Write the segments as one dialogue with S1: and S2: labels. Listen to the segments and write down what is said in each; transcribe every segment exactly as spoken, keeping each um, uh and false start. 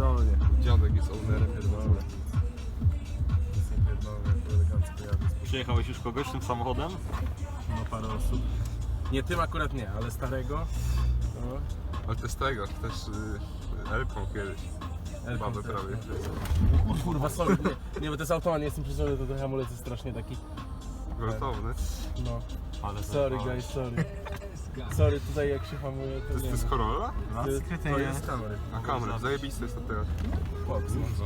S1: pierdolnie.
S2: Dziadek jest ownerem, pierdolony.
S1: Jest nie pierdolnie, to elegancko jadę.
S3: Przyjechałeś już kogoś tym samochodem?
S1: No parę osób. Nie tym akurat nie, ale starego. No.
S2: Ale to jest tego, też y, Elką kiedyś.
S1: Elką
S2: Babę
S1: też,
S2: prawie.
S1: no. Kurwa, sorry. Nie, nie, bo to jest automat, nie jestem przyzwyczajony, to ten hamulec jest strasznie taki.
S2: Gwałtowny.
S1: No.
S3: Ale
S1: Sorry guys, sorry. Sorry, tutaj jak się hamuje, to
S2: To jest,
S1: nie
S2: to jest
S1: wiem.
S2: Corolla?
S1: To jest, to jest kamery.
S2: Na kamerę, zajebiste jest to teraz.
S1: Fox, no.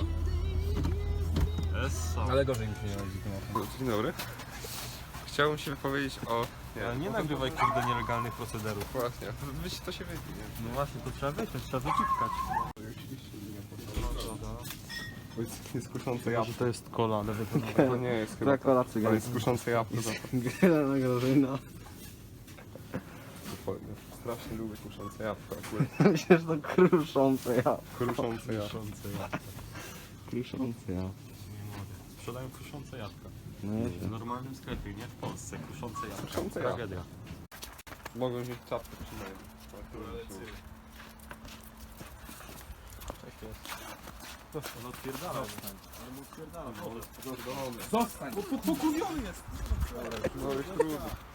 S3: Essa.
S1: Ale gorzej mi się nie jeździ tym
S2: Dzień dobry. Chciałbym się wypowiedzieć o...
S3: Ale nie nagrywaj kurde nielegalnych procederów.
S2: Właśnie, to, wiecie, to się wyjdzie, nie?
S3: No właśnie, to trzeba wyciąć, trzeba wyciskać.
S2: To jest kuszące jabłko.
S3: To jest kola, ale
S2: To nie jest chyba.
S4: Kola
S2: To
S4: cygańska.
S2: jest kuszące jabłko.
S4: Grana Grażyna.
S2: Strasznie lubię kuszące jabłko akurat.
S4: Myślę, że to kruszące ja.
S2: Kruszące jabłko.
S4: Kruszące ja.
S3: Sprzedają kruszące jabłka.
S4: No
S3: W
S4: jest.
S3: normalnym sklepie, nie w Polsce. Kruszące jabłka.
S2: Kruszące jabłka.
S3: Tragedia.
S2: Mogą wziąć czapkę przynajmniej.
S3: No odpierdala. Ale mu odpierdala.
S1: Zostań! Bo pokurwiony jest!
S2: No już trudno.